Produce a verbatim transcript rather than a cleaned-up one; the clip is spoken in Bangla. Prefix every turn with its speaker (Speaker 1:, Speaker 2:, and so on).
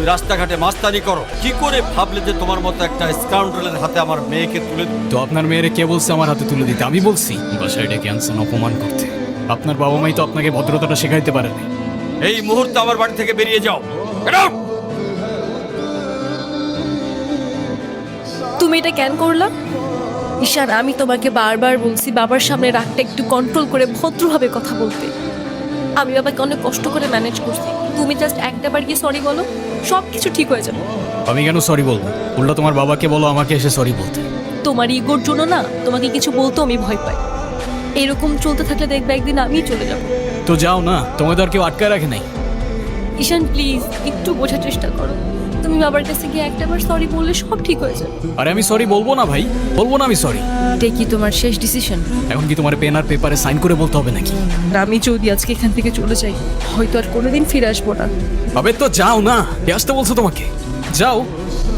Speaker 1: তুমি রাস্তাঘাটে মাস্তানি করো, কি করে ভাবলে যে তোমার মতো একটা স্কাউন্ডারের হাতে আমার মেয়েকে তুলে দিই?
Speaker 2: তো আপনার মেয়েরে কে বলছে আমার হাতে তুলে দিতে? আমি বলছি বাসায় ডেকে আনছেন অপমান করতে। আপনার বাবা মাই তো আপনাকে ভদ্রতাটা শেখাইতে পারেনি।
Speaker 1: এই মুহূর্তে আমার বাড়ি থেকে বেরিয়ে যাও। Get out!
Speaker 3: তুমি এটা কেন করলা? ঈশান, আমি তোমাকে বারবার বলছি বাবার সামনে রাগটা একটু কন্ট্রোল করে ভদ্রভাবে কথা বলতে। আমি বাবাকে অনেক কষ্ট করে ম্যানেজ করছি। তুমি জাস্ট একটা বার গিয়ে সরি বলো, সব কিছু ঠিক হয়ে যাবে।
Speaker 2: আমি কেন সরি বলবো? উল্টা তোমার বাবাকে বলো আমাকে এসে সরি বলতে।
Speaker 3: তোমার ইগোর জন্য না তোমাকে কিছু বলতেও আমি ভয় পাই। এরকম চলতে থাকলে দেখবে একদিন আমিই চলে যাব।
Speaker 2: তো যাও না, তোমাদের আর কেউ আটকায় রাখে নাই।
Speaker 3: ঈশান প্লিজ একটু বোঝার চেষ্টা করো। তুমি বাবার কাছে গিয়ে একটাবার সরি বললে সব ঠিক হয়ে যাবে।
Speaker 2: আরে আমি সরি বলবো না ভাই, বলবো না আমি সরি।
Speaker 3: এটাই কি তোমার শেষ ডিসিশন?
Speaker 2: এখন কি তোমার পেন আর পেপারে সাইন করে বলতে হবে নাকি?
Speaker 3: আমি যদি আজকে এখান থেকে চলে যাই হয়তো আর কোনোদিন ফিরে আসবো না।
Speaker 2: আবে তো যাও না, কে আসতে বলছো তোমাকে? যাও।